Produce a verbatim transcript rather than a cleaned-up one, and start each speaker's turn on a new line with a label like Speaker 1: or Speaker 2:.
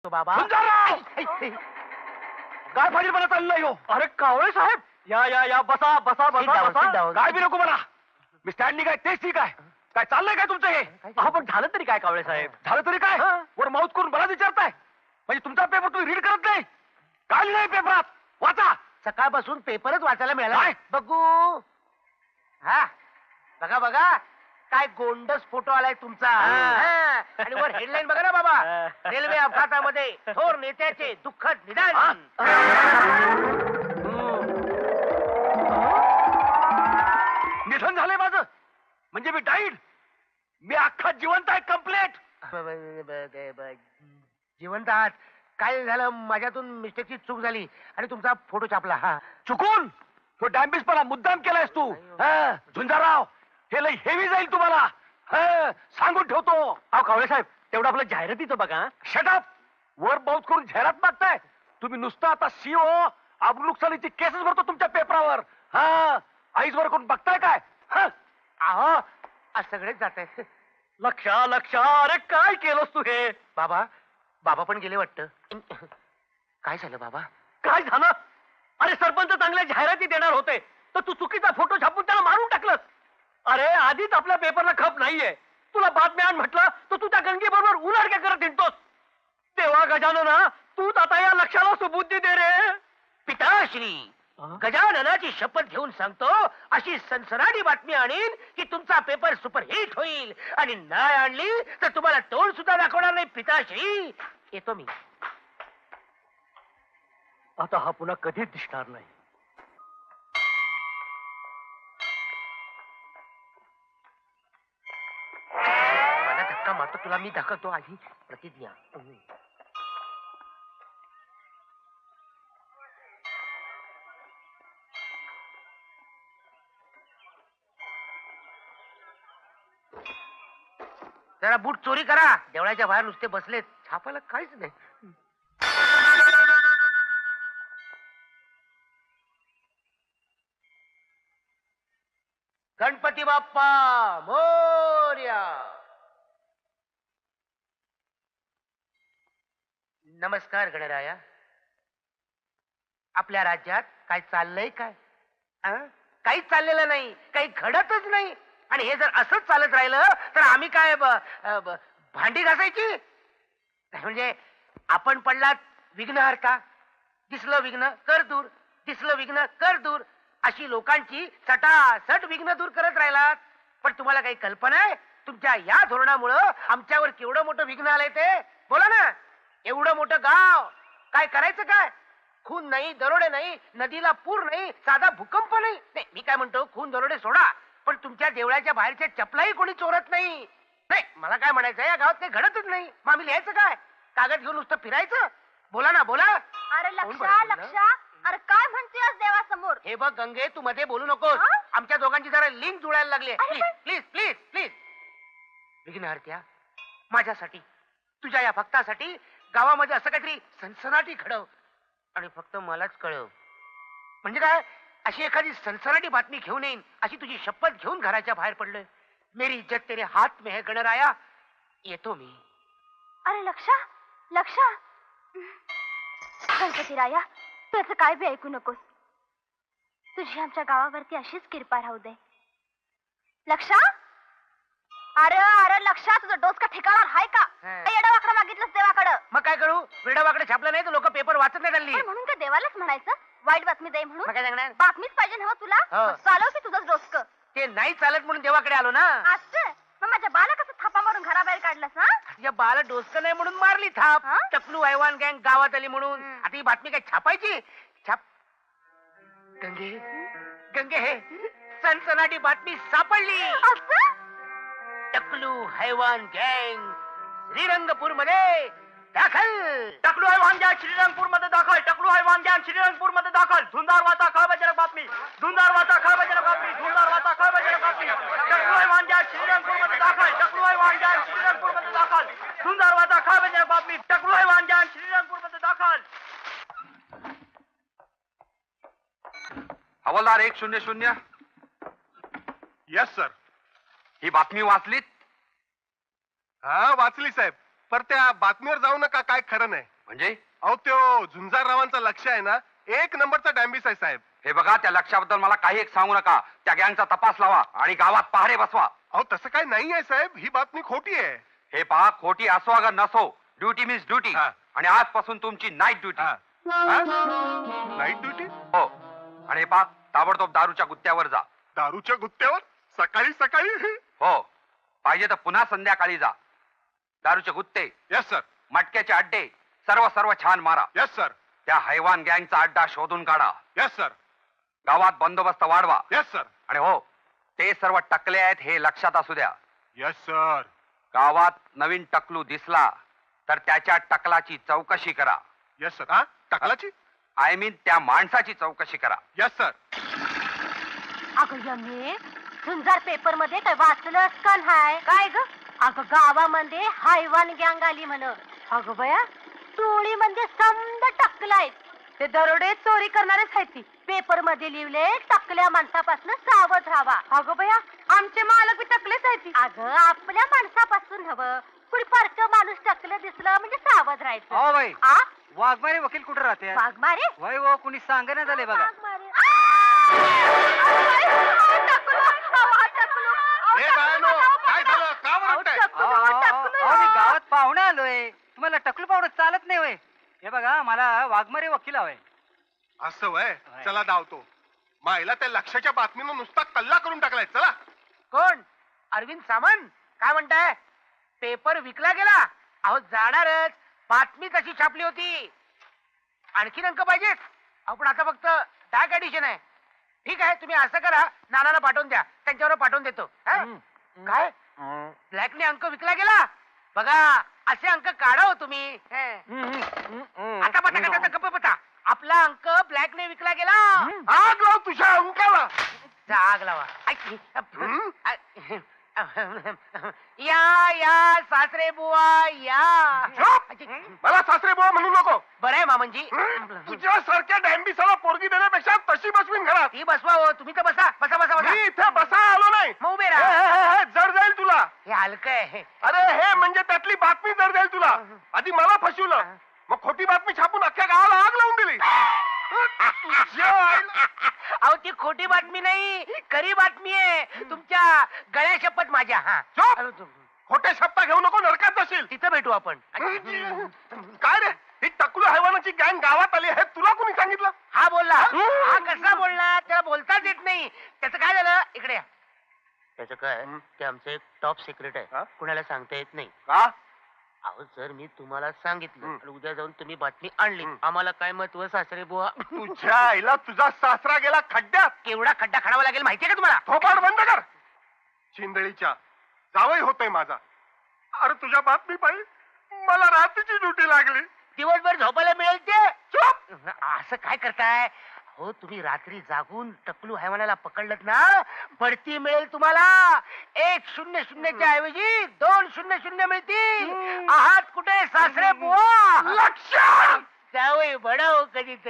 Speaker 1: बाबा
Speaker 2: काय फाजीलपणा चाललंय हो?
Speaker 3: अरे कावळे साहेब, या या या बसा बसा
Speaker 1: Sit
Speaker 3: बसा
Speaker 1: down,
Speaker 3: बसा.
Speaker 1: sit down.
Speaker 2: काय बी नको मला. मी स्टँडिंग आहे तेच ठीक आहे. काय चाललंय काय तुमचं हे?
Speaker 3: अहो पण झालं तरी काय कावळे साहेब?
Speaker 2: झालं तरी काय?
Speaker 3: हा.
Speaker 2: वर माऊथ करून मला विचारताय? म्हणजे तुमचा पेपर तुम्ही रीड करत नाही? काय लिहिलंय पेपरात? वाचा.
Speaker 1: सकाळपासून पेपरच वाचायला मिळाला
Speaker 2: काय?
Speaker 1: बघू. हा बघा बघा काय गोंडस फोटो आलाय तुमचा. हा. आणि वर हेडलाईन बघा ना बाबा. रेल्वे अपघातामध्ये थोर नेत्याचे दुःखद निधन.
Speaker 2: निधन झालंय माझं म्हणजे मी डाईड. मी अख्खा जिवंत आहे कम्प्लेट.
Speaker 1: ब- ब- ब- ब- जिवंत आहात. काय झालं माझ्यातून मिस्टेकची चूक झाली आणि तुमचा फोटो छापला. हा
Speaker 2: चुकून तो डॅम्बिसपणा मुद्दाम केलायस तू. हा, झुंजाराव हे लय हेवी जाईल तुम्हाला. हा, सांगून ठेवतो.
Speaker 3: अहो कावळे साहेब, तेवढं आपलं जाहिरातीचं बघा.
Speaker 2: शटअप. वर बाउट करून जाहिरात मागताय तुम्ही. नुसतं आता सीओ अब्रुनुकसानीची केसेस भरतो तुमच्या पेपरावर. हा, आईज वर करून बघताय काय? हा,
Speaker 1: अहो आज सगळेच जात आहेत.
Speaker 3: लक्षा लक्षा, अरे काय केलंस तू हे?
Speaker 1: बाबा बाबा पण गेले वाटतं. काय झालं बाबा?
Speaker 3: काय झालं? अरे सरपंच चांगल्या जाहिराती देणार होते तर तू चुकीचा फोटो छापून त्याला मारून टाकलंस. अरे आधीच आपल्या पेपरला खप नाहीये, तुला बातम्या आण म्हटलं तर तू त्या गंगी बरोबर उलाढक्या करत हिंडतोस. तेव्हा गजानना तूच आता या लक्षाला सुबुद्धी दे रे.
Speaker 1: पिताश्री गजाननाची शपथ घेऊन सांगतो अशी सनसनाटी बातमी आणीन की तुमचा पेपर सुपरहिट होईल. आणि नाही आणली तर तुम्हाला तोंड सुद्धा दाखवणार नाही. पिताश्री येतो मी.
Speaker 3: आता हा पुन्हा कधीच दिसणार नाही.
Speaker 1: मला धक्का मारतो तुला मी दाखवतो आधी प्रतिज्ञा. जरा बूट चोरी करा. देवळाच्या बाहेर नुसते बसलेत, छापायला काहीच नाही. गणपती बाप्पा मोरया. नमस्कार गणराया. आपल्या राज्यात काय चाललंय काय? अं? काहीच चाललेलं नाही, काही घडतच नाही. आणि हे जर असंच चालत राहिलं तर आम्ही काय ब- अ, ब- भांडी घासायची? म्हणजे आपण पडलात विघ्नहर्ता. दिसलं विघ्न कर दूर, दिसलं विघ्न कर दूर, अशी लोकांची सटासट विघ्न दूर करत राहिलात. पण तुम्हाला काही कल्पना आहे तुमच्या या धोरणामुळं आमच्यावर केवढं मोठं विघ्न आलंय ते? बोला ना. एवढं मोठं गाव काय करायचं काय? खून नाही, दरोडे नाही, नदीला पूर नाही, साधा भूकंप नाही. नाही मी काय म्हणतो, खून दरोडे सोडा, पण तुमच्या देवळाच्या बाहेरच्या चपलाही कोणी चोरत नाही. नाही मला काय म्हणायचं, या गावात काही घडतच नाही. मग आम्ही लिहायचं काय? कागद घेऊन नुसतं फिरायचं? बोला ना बोला.
Speaker 4: अरे
Speaker 1: कोण
Speaker 4: लक्षा
Speaker 1: बोलतोय ना?
Speaker 4: लक्षा, अरे काय म्हणतेस देवासमोर?
Speaker 1: हे बघ गंगे, तू मध्ये बोलू नकोस.
Speaker 4: हा?
Speaker 1: आमच्या दोघांची जरा लिंक जुळायला लागली.
Speaker 4: अरे
Speaker 1: प्लीज
Speaker 4: पण-
Speaker 1: प्लीज प्लीज प्लीज. विघ्नहर्त्या, माझ्यासाठी, तुझ्या या भक्तासाठी गावामध्ये असं काहीतरी सनसनाटी घडव आणि फक्त मलाच कळव. म्हणजे काय, अशी एखादी सनसनाटी बातमी घेऊन येईन अशी तुझी शपथ घेऊन घराच्या बाहेर पडलोय. मेरी इज्जत तेरे हात में है गणराया. येतो मी.
Speaker 4: अरे लक्षा लक्षा, गणपती राया त्याचं काय बी ऐकू नकोस. तुझी आमच्या गावावरती अशीच कृपा राहू दे. लक्षा, अरे अरे लक्षा, तुझं डोसका ठिकाणार हाय का?
Speaker 1: हा.
Speaker 4: येडावाकडं मागितलंस देवाकडं.
Speaker 1: मग काय करू? वेडावाकडे छापलं नाही तर लोक पेपर वाचत नाही हल्ली.
Speaker 4: पण म्हणून काय देवालाच म्हणायचं वाईट बातमी दे म्हणून?
Speaker 1: मग काय सांगणार?
Speaker 4: बातमीच पाहिजे ना तुला.
Speaker 1: हो.
Speaker 4: मग चालव की तुझंच डोसक.
Speaker 1: ते नाही चालत म्हणून देवाकडे आलो ना.
Speaker 4: असं मग माझ्या बाला कसं थापा मारून घराबाहेर काढलंस? हा
Speaker 1: या बाला डोसकं नाही म्हणून मारली थाप.
Speaker 4: हा?
Speaker 1: टकलू हैवान गँग गावात आली म्हणून.
Speaker 4: हम्म.
Speaker 1: आता ही बातमी काय छापायची? छाप. गंगे गंगे, हे सनसनाटी बातमी सापडली.
Speaker 4: असं
Speaker 1: टकलू हैवान गँग श्रीरंगपूर मध्ये दाखल.
Speaker 3: टकलू हैवान गॅंग श्रीरंगपूर मध्ये दाखल. टकलू हैवान गॅंग श्रीरंगपूर मध्ये दाखल. धुंदार वाचा खळबळजनक बातमी. धुंदार वाचा खळबळजनक बातमी. धुंदार वाचा खळबळजनक बातमी. टकलू हैवान गॅंग श्रीरंगपूर मध्ये दाखल. टकलू हैवान गॅंग श्रीरंगपूर मध्ये दाखल. धुंदार वाचा खळबळजनक बातमी. टकलू हैवान गॅंग श्रीरंगपूर मध्ये दाखल.
Speaker 2: हवालदार एक शून्य शून्य.
Speaker 5: Yes sir.
Speaker 2: ही बातमी वाचलीत?
Speaker 5: हा वाचली साहेब. पर त्या बातमीवर जाऊ नका, काय खरं नाही.
Speaker 2: म्हणजे
Speaker 5: अहो त्यो झुंजाररावांचा लक्ष आहे ना, एक नंबरचा डॅम्बिस आहे साहेब.
Speaker 2: हे बघा, त्या लक्षाबद्दल मला काही एक सांगू नका. त्या गँगचा तपास लावा आणि गावात पहारे बसवा.
Speaker 5: अहो तसं काही नाही आहे साहेब, ही बातमी खोटी आहे.
Speaker 2: हे पहा, खोटी असो अगर नसो, ड्युटी मीन्स ड्युटी.
Speaker 5: हा.
Speaker 2: आणि आजपासून तुमची नाईट ड्युटी.
Speaker 5: Night duty?
Speaker 2: हो. आणि हे पहा, ताबडतोब दारूच्या गुत्त्यावर जा.
Speaker 5: दारूच्या गुत्त्यावर सकाळी सकाळी?
Speaker 2: हो, पाहिजे तर पुन्हा संध्याकाळी जा. दारूचे गुत्ते,
Speaker 5: यस सर.
Speaker 2: मटक्याचे अड्डे सर्व सर्व छान मारा.
Speaker 5: Yes sir.
Speaker 2: त्या हैवान गँगचा अड्डा शोधून काढा.
Speaker 5: Yes sir.
Speaker 2: गावात बंदोबस्त वाढवा.
Speaker 5: Yes sir.
Speaker 2: आणि हो, ते सर्व टकले आहेत हे लक्षात असू द्या.
Speaker 5: Yes sir.
Speaker 2: गावात नवीन टकलू दिसला तर त्याच्या टकलाची चौकशी करा.
Speaker 5: Yes sir. हा टकलाची?
Speaker 2: आय मीन त्या माणसाची चौकशी करा.
Speaker 5: Yes sir.
Speaker 4: अगं यमे, झुंजार पेपर मध्ये काय वाचलंस का नाही? काय ग? अगं गावामध्ये हायवान गँग आली म्हण. अगं बया, टोळी म्हणजे समद टकलाय. ते दरोडे चोरी करणारेच आहेत ती. पेपर मध्ये लिहिले, टकल्या माणसापासून सावध राहावा. अगं बया, आमचे मालक बी टकलेच आहेत. अगं आपल्या माणसापासून हवं. कुणी पारक माणूस टकलं दिसलं म्हणजे सावध राहायचं.
Speaker 3: हो बाई,
Speaker 4: आ?
Speaker 3: वाघमारे वकील कुठे राहते?
Speaker 4: वाघमारे?
Speaker 3: वय हो, कुणी सांगेना झाले बघा.
Speaker 4: वाघमारे. आ! अरे, अहो, टकलं, अहो, टकलं, अहो,
Speaker 5: ए
Speaker 4: टकलं,
Speaker 5: बायानो,
Speaker 4: अहो,
Speaker 5: काय
Speaker 4: टकलं.
Speaker 5: झालं? का
Speaker 4: अहो,
Speaker 5: ओरडताय?
Speaker 4: टकलं, अहो, टकलं.
Speaker 3: अहो, मी गावात पाहुणे आलोय. तुम्हाला टकलू पाहुणं चालत नाही वय. हे बघा, मला वाघमारे वकील हवंय.
Speaker 5: असं वय? चला धावतो. मायला त्या लक्षाच्या बातमीनं नुसता कल्ला करून टाकलाय. चला.
Speaker 1: कोण? अरविंद सामंत? काय म्हणताय? पेपर विकला गेला? अहो जाणारच, बातमी तशी छापली होती. आणखीन अंक पाहिजेत? अहो पण आता फक्त डाक एडिशन आहे. ठीक आहे, तुम्ही असं करा, नानाला पाठवून द्या, त्यांच्यावर पाठवून देतो. हा? काय ब्लॅकने अंक विकला गेला? बघा, असे अंक काढा हो तुम्ही. हे. आता पता का गप्प पता, आपला अंक ब्लॅकने विकला गेला.
Speaker 5: आग लाव तुझ्या अंकाला.
Speaker 1: जा, आग लावा. ऐक.
Speaker 5: हं?
Speaker 1: या या सासरे बुवा या.
Speaker 5: झोप. मला सासरे बुवा म्हणू नको.
Speaker 1: बरं आहे मामनजी.
Speaker 5: तुझ्या सारख्या डॅम्बिसाला पोरगी देण्यापेक्षा तशी बसवीन घरात.
Speaker 1: ती बसवा हो, तुम्ही तर बसा बसा बसा बसा.
Speaker 5: मी इथे बसा आलो नाही.
Speaker 1: मग उभे
Speaker 5: हे,
Speaker 1: राहा.
Speaker 5: हे, हे, जड जाईल तुला.
Speaker 1: हे हलकं आहे.
Speaker 5: अरे हे म्हणजे त्यातली बातमी जड जाईल तुला. आधी मला फसवलं, मग खोटी बातमी छापून अख्ख्या गावाला आग लावून दिली. तुझ्या आईला-
Speaker 1: अहो ती खोटी बातमी नाही, खरी बातमी आहे. तुमच्या गळ्या शपथ माझ्या. हा
Speaker 5: झोप.
Speaker 1: अरे तू-
Speaker 5: खोटे शब्द घेऊ नको, नरकात जाशील.
Speaker 1: तिथं भेटू आपण.
Speaker 5: काय रे, ही टकलू हैवानाची गँग गावात आली हे तुला कोणी सांगितलं?
Speaker 1: हा बोलला. हा कसा बोलला? त्याला बोलताच येत नाही. त्याचं काय झालं? इकडे या. त्याचं काय, ते आमचं एक टॉप सिक्रेट
Speaker 5: हा?
Speaker 1: आहे, कुणाला सांगता येत नाही.
Speaker 5: का?
Speaker 1: अहो जर मी तुम्हाला सांगितलं
Speaker 5: हं.
Speaker 1: आणि उद्या जाऊन तुम्ही बातमी आणली,
Speaker 5: हं.
Speaker 1: आम्हाला काय महत्व सासरे बुवा?
Speaker 5: तुझ्या आईला तुझा सासरा गेला खड्ड्यात.
Speaker 1: केवढा खड्डा खणावा लागेल माहितीये का तुम्हाला?
Speaker 5: थोपाड बंद कर. चिंदळीच्या जावई होतोय माझा. अरे तुझ्या बातमी पाहिजे मला रात्रीची ड्युटी लागली.
Speaker 1: दिवसभर झोपायला मिळेल ते.
Speaker 5: चुप.
Speaker 1: असं काय करताय हो तुम्ही? रात्री जागून टकलू हैवानाला पकडलत ना, बढती मिळेल तुम्हाला. एक शून्य शून्यच्या ऐवजी दोन शून्य शून्य मिळतील. आहात कुठे सासरे बुवा?
Speaker 5: लक्ष.
Speaker 1: जावई बडाव कधी